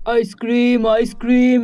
Ice cream ice cream,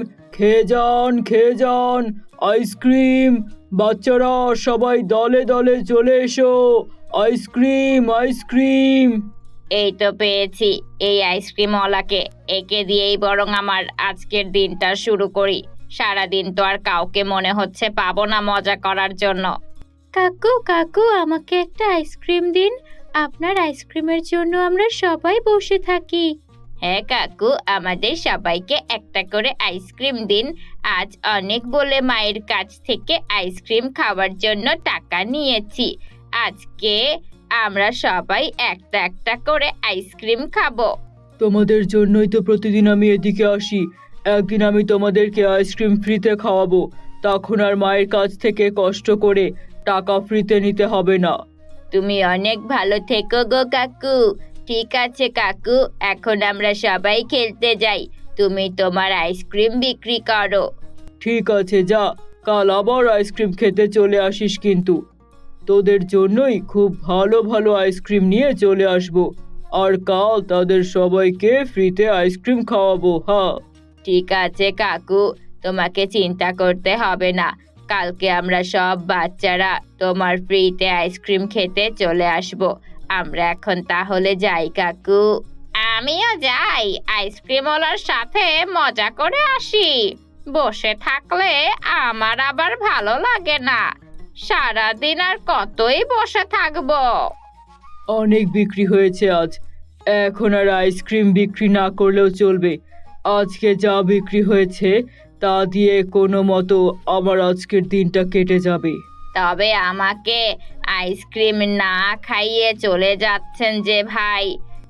খেয়ে যান ice cream. বাচ্চারা সবাই দলে দলে চলে এসো, আইসক্রিম আইসক্রিম। এই তো পেয়েছি এই আইসক্রিমওয়ালাকে। একে দিয়েই বরং আমার আজকের দিনটা শুরু করি। সারাদিন তো আর কাউকে মনে হচ্ছে পাবো না মজা করার জন্য। কাকু কাকু, আমাকে একটা আইসক্রিম দিন। আপনার আইসক্রিমের জন্য আমরা সবাই বসে থাকি। হ্যাঁ কাকু, আমাদের সবাইকে একটা করে আইসক্রিম দিন। আজ অনেক বলে মায়ের কাছ থেকে আইসক্রিম খাওয়ার জন্য টাকা নিয়েছি। আজকে আমরা সবাই একটা একটা করে আইসক্রিম খাবো। তোমাদের জন্যই তো প্রতিদিন আমি এদিকে আসি। একদিন আমি তোমাদেরকে আইসক্রিম ফ্রিতে খাওয়াবো, তখন আর মায়ের কাছ থেকে কষ্ট করে টাকা ফ্রিতে নিতে হবে না। তুমি অনেক ভালো থেকো গো কাকু। ঠিক আছে কাকু, এখন আমরা সবাই খেলতে যাই। তুমি তোমার আইসক্রিম বিক্রি করো। ঠিক আছে, যা, কাল আবার আইসক্রিম খেতে চলে আসিস কিন্তু। তোদের জন্যই খুব ভালো ভালো আইসক্রিম নিয়ে চলে আসবো, আর কাল তাদের সবাইকে ফ্রিতে আইসক্রিম খাওয়াবো। হ্যাঁ ঠিক আছে কাকু, তোমাকে চিন্তা করতে হবে না। কালকে আমরা সব বাচ্চারা তোমার ফ্রিতে আইসক্রিম খেতে চলে আসব। আমরা এখন তাহলে যাই কাকু। আমিও যাই, আইসক্রিমওয়ালার সাথে মজা করে আসি। বসে থাকলে আমার আবার ভালো লাগে না। সারাদিন আর কতই বসে থাকবো। অনেক বিক্রি হয়েছে আজ, এখন আর আইসক্রিম বিক্রি না করলেও চলবে। আজকে যা বিক্রি হয়েছে তা দিয়ে কোনো মতো আমার আজকের দিনটা কেটে যাবে। তবে আমাকে আইসক্রিম না খাইয়ে চলে যাচ্ছেন যে ভাই।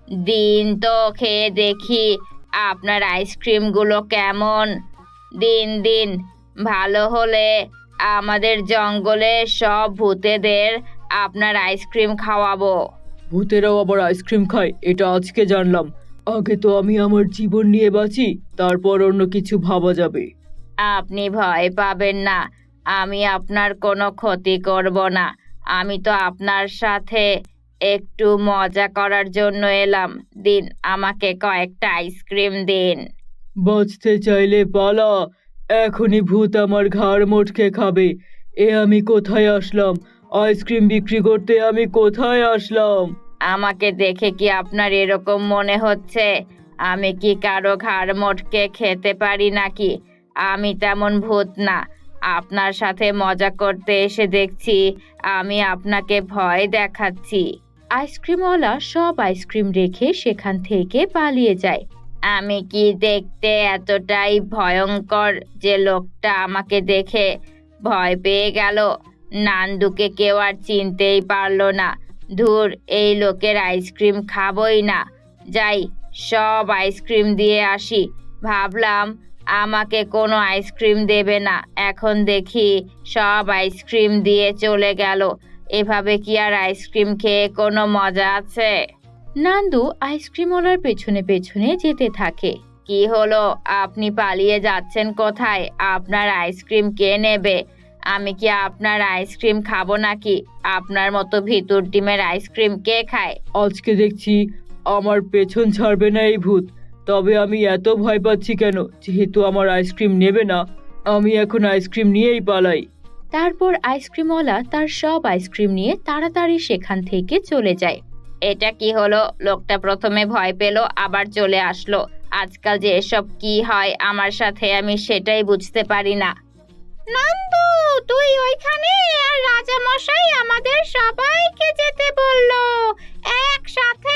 দিন তো খেয়ে দেখি আপনার আইসক্রিমগুলো কেমন। দিন দিন ভালো হলে আমাদের জঙ্গলে সব ভূতেদের আপনার আইসক্রিম খাওয়াবো। ভূতেরাও আবার আইসক্রিম খায়, এটা আজকে জানলাম। আগে তো আমি আমার জীবন নিয়ে বাঁচি, তারপর অন্য কিছু ভাবা যাবে। আপনি ভয় পাবেন না, আমি আপনার কোনো ক্ষতি করব না। আমি তো আপনার সাথে একটু মজা করার জন্য এলাম। দিন, আমাকে কয়েকটা আইসক্রিম দিন। বাঁচতে চাইলে পালা, এখনই ভূত আমার ঘাড় মোটকে খাবে। এ আমি কোথায় আসলাম? আইসক্রিম বিক্রি করতে আমি কোথায় আসলাম? আমাকে দেখে কি আপনার এরকম মনে হচ্ছে? আমি কি কারো ঘাড় মোটকে খেতে পারি নাকি? আমি তেমন ভূত না। আপনার সাথে মজা করতে এসে দেখছি আমি আপনাকে ভয় দেখাচ্ছি। আইসক্রিমওয়ালা সব আইসক্রিম রেখে সেখান থেকে পালিয়ে যায়। আমি কি দেখতে এতটাই ভয়ঙ্কর যে লোকটা আমাকে দেখে ভয় পেয়ে গেল? নান্দুকে কেউ আর চিনতেই পারলো না। ধুর, এই লোকের আইসক্রিম খাবই না। যাই, সব আইসক্রিম দিয়ে আসি। ভাবলাম আমাকে কোনো আইসক্রিম দেবে না, এখন দেখি সব আইসক্রিম দিয়ে চলে গেল। এভাবে কি আর আইসক্রিম খেয়ে কোনো মজা আছে? নান্দু আইসক্রিমওয়ালার পেছনে পেছনে যেতে থাকে। কি হলো, আপনি পালিয়ে যাচ্ছেন কোথায়? আপনার আইসক্রিম কে নেবে? আমি কি আপনার আইসক্রিম খাবো নাকি? আপনার মতো ভিতর ডিমের আইসক্রিম কে খায়? আজকে দেখছি আমার পেছন ছাড়বে না এই ভূত। তবে আমি এত ভয় পাচ্ছি কেন? যেহেতু আমার আইসক্রিম নেবে না, আমি এখন আইসক্রিম নিয়েই পালাই। তারপর আইসক্রিমওয়ালা তার সব আইসক্রিম নিয়ে তাড়াতাড়ি সেখান থেকে চলে যায়। এটা কি হলো? লোকটা প্রথমে ভয় পেল, আবার চলে আসলো। আজকাল যে এসব কি হয় আমার সাথে, আমি সেটাই বুঝতে পারি না। নন্দু, তুই ওইখানে? আর রাজা মশাই আমাদের সবাইকে যেতে বললো একসাথে।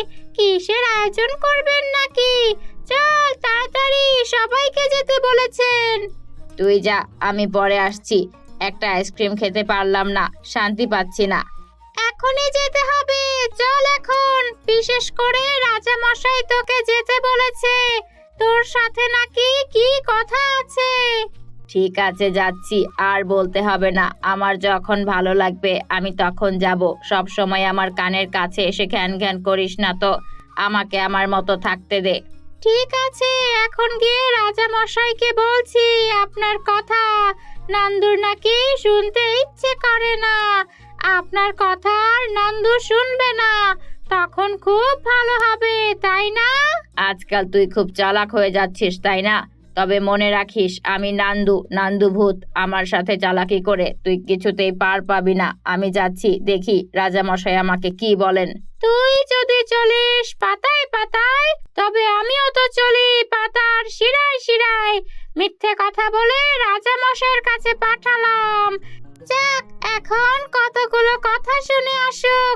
কিসের আয়োজন করবেন নাকি? চল তাড়াতাড়ি, সবাইকে যেতে বলেছেন। তুই যা, আমি পরে আসছি। একটা আইসক্রিম খেতে পারলাম না, শান্তি পাচ্ছি না। এখনই যেতে হবে, চল এখন। বিশেষ করে রাজা মশাই তোকে যেতে বলেছে। তোর সাথে নাকি কি কথা আছে? ঠিক আছে, যাচ্ছি। আর বলতে হবে না, আমার যখন ভালো লাগবে আমি তখন যাব। সব সময় আমার কানের কাছে এসে ঘ্যান ঘ্যান করিস না তো, আমাকে আমার মতো থাকতে দে। ঠিক আছে, এখন গিয়ে রাজা মশাইকে বলছি আপনার কথা। নান্দুর নাকি শুনতে ইচ্ছে করে না। আপনার কথা আর নান্দু শুনবে না, তখন খুব ভালো হবে, তাই না? আজকাল তুই খুব চালাক হয়ে যাচ্ছিস তাই না? তবে মনে রাখিস আমি নান্দু ভূত। আমার সাথে চালাকি করে তুই কিছুতেই পার পাবি না। আমি যাচ্ছি, দেখি রাজামশাই আমাকে কি বলেন। তুই যদি চলিস পাতায় পাতায়, তবে আমিও তো চলি পাতার শিরায় শিরায়। মিথ্যে কথা বলে রাজামশাইয়ের কাছে পাঠালাম। যাক, এখন কতগুলো কথা শুনে আসুক।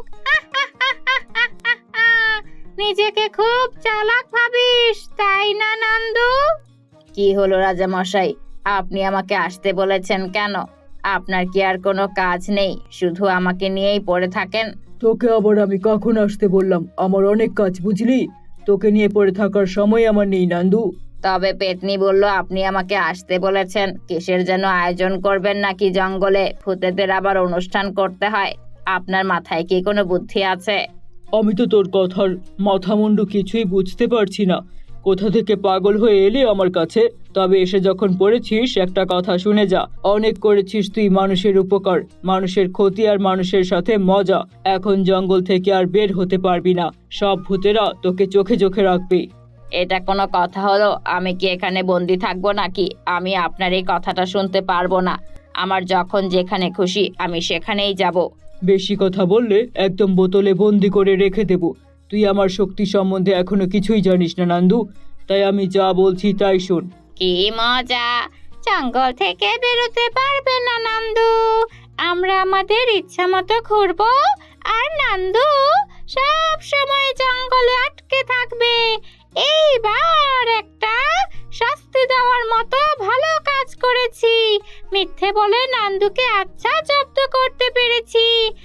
নিজেকে খুব চালাক ভাবিস তাই না নান্দু? কি হলো রাজামশাই, আপনি আমাকে আসতে বলেছেন কেন? আপনার কি আর কোনো কাজ নেই? শুধু আমাকে নিয়েই পড়ে থাকেন। তোকে আবার আমি কখন আসতে বললাম? আমার অনেক কাজ, বুঝলি? তোকে নিয়ে পড়ে থাকার সময় আমার নেই নান্দু। তবে পেতনি বলল আপনি আমাকে আসতে বলেছেন। কিসের যেন আয়োজন করবেন নাকি জঙ্গলে? ভূতেদের আবার অনুষ্ঠান করতে হয়। আপনার মাথায় কি কোনো বুদ্ধি আছে? আমি তো তোর কথার মাথামুন্ডু কিছুই বুঝতে পারছি না। কোথা থেকে পাগল হয়ে এলি আমার কাছে? তবে এসে যখন পড়েছিস, একটা কথা শুনে যা। অনেক করেছিস তুই মানুষের উপকার, মানুষের ক্ষতি আর মানুষের সাথে মজা। এখন জঙ্গল থেকে আর বের হতে পারবি না। সব ভূতেরা তোকে চোখে চোখে রাখবে। এটা কোনো কথা হলো? আমি কি এখানে বন্দি থাকবো নাকি? আমি আপনার এই কথাটা শুনতে পারবো না। আমার যখন যেখানে খুশি আমি সেখানেই যাব। বেশি কথা বললে একদম বোতলে বন্দি করে রেখে দেব। তুই আমার শক্তি সম্বন্ধে এখনো কিছুই জানিস না নান্দু, তাই আমি যা বলছি তাই শোন। কি মজা! জঙ্গল থেকে বেরোতে পারবে না নান্দু। আমরা আমাদের ইচ্ছা মতো ঘুরবো, আর নান্দু সব সময় জঙ্গলে আটকে থাকবে। এইবার একটা শাস্তি দেওয়ার মতো ভালো কাজ করেছি। মিথ্যে বলে নান্দুকে আচ্ছা জব্দ করতে পেরেছি।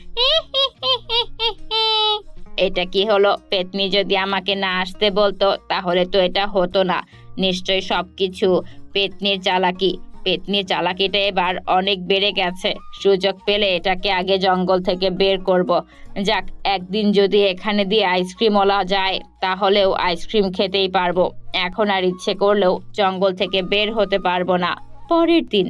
এটা কি হলো? পেতনি যদি আমাকে না আসতে বলতো তাহলে তো এটা হতো না। নিশ্চয়ই সবকিছু পেতনির চালাকি। পেতনির চালাকিটা এবার অনেক বেড়ে গেছে। সুযোগ পেলে এটাকে আগে জঙ্গল থেকে বের করব। যাক, একদিন যদি এখানে দিয়ে আইসক্রিমওয়ালা যায় তাহলেও আইসক্রিম খেতেই পারবো। এখন আর ইচ্ছে করলেও জঙ্গল থেকে বের হতে পারবো না। পরের দিন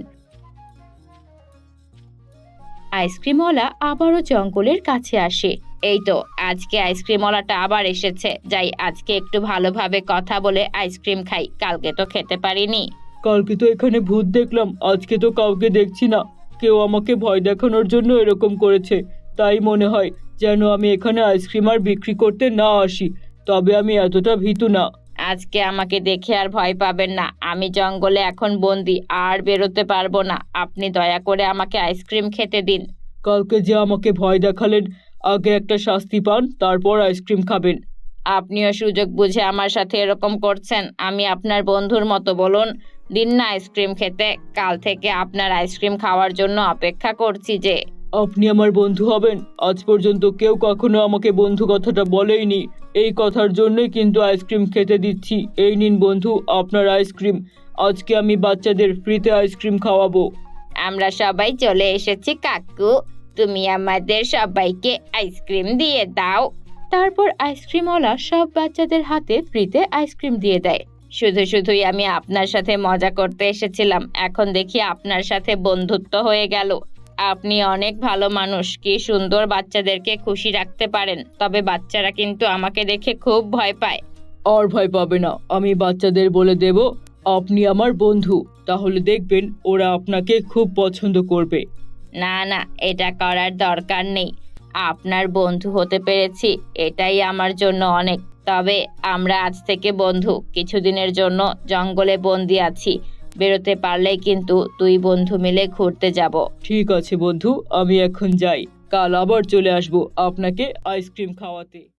আইসক্রিমওয়ালা আবারও জঙ্গলের কাছে আসে। এই তো, আজকে আইসক্রিমওয়ালাটা আবার এসেছে। যাই, আজকে একটু ভালোভাবে কথা বলে আইসক্রিম খাই। কালকে তো খেতে পারিনি। কালকে তো এখানে ভূত দেখলাম, আজকে তো কাউকে দেখছি না। কেউ আমাকে ভয় দেখানোর জন্য এরকম করেছে। তাই মনে হয় যেন আমি এখানে আইসক্রিম আর বিক্রি করতে না আসি। তবে আমি এতটা ভীতু না। আজকে আমাকে দেখে আর ভয় পাবেন না। আমি জঙ্গলে এখন বন্দি, আর বেরোতে পারবো না। আপনি দয়া করে আমাকে আইসক্রিম খেতে দিন। কালকে যে আমাকে ভয় দেখালেন, আগে একটা শাস্তি পান, তারপর আইসক্রিম খাবেন। আপনিও সুযোগ বুঝে আমার সাথে এরকম করছেন। আমি আপনার বন্ধুর মতো, বলুন দিন না আইসক্রিম খেতে। কাল থেকে আপনার আইসক্রিম খাওয়ার জন্য অপেক্ষা করছি যে। আপনি আমার বন্ধু হবেন? আজ পর্যন্ত কেউ কখনো আমাকে বন্ধু কথাটা বলেইনি। এই কথার জন্যই কিন্তু আইসক্রিম খেতে দিচ্ছি। এই নিন বন্ধু, আপনার আইসক্রিম। আজকে আমি বাচ্চাদের ফ্রিতে আইসক্রিম খাওয়াবো। আমরা সবাই চলে এসেছি কাকু। তুমি আমাদের সবাইকে আইসক্রিম দিয়ে দাও। তারপর আইসক্রিমওয়ালা সব বাচ্চাদের হাতে ফ্রিতে আইসক্রিম দিয়ে দেয়। শুধুই আমি আপনার সাথে মজা করতে এসেছিলাম, এখন দেখি আপনার সাথে বন্ধুত্ব হয়ে গেল। আপনি অনেক ভালো মানুষ। কি সুন্দর বাচ্চাদেরকে খুশি রাখতে পারেন। তবে বাচ্চারা কিন্তু আমাকে দেখে খুব ভয় পায়। আর ভয় পাবে না, আমি বাচ্চাদের বলে দেব আপনি আমার বন্ধু। তাহলে দেখবেন ওরা আপনাকে খুব পছন্দ করবে। না না, এটা করার দরকার নেই। আপনার বন্ধু হতে পেরেছি, এটাই আমার জন্য অনেক। তবে আমরা আজ থেকে বন্ধু। কিছুদিনের জন্য জঙ্গলে বন্দি আছি। বেরোতে পারলেই কিন্তু দুই বন্ধু মিলে ঘুরতে যাব। ঠিক আছে বন্ধু, আমি এখন যাই। কাল আবার চলে আসবো আপনাকে আইসক্রিম খাওয়াতে।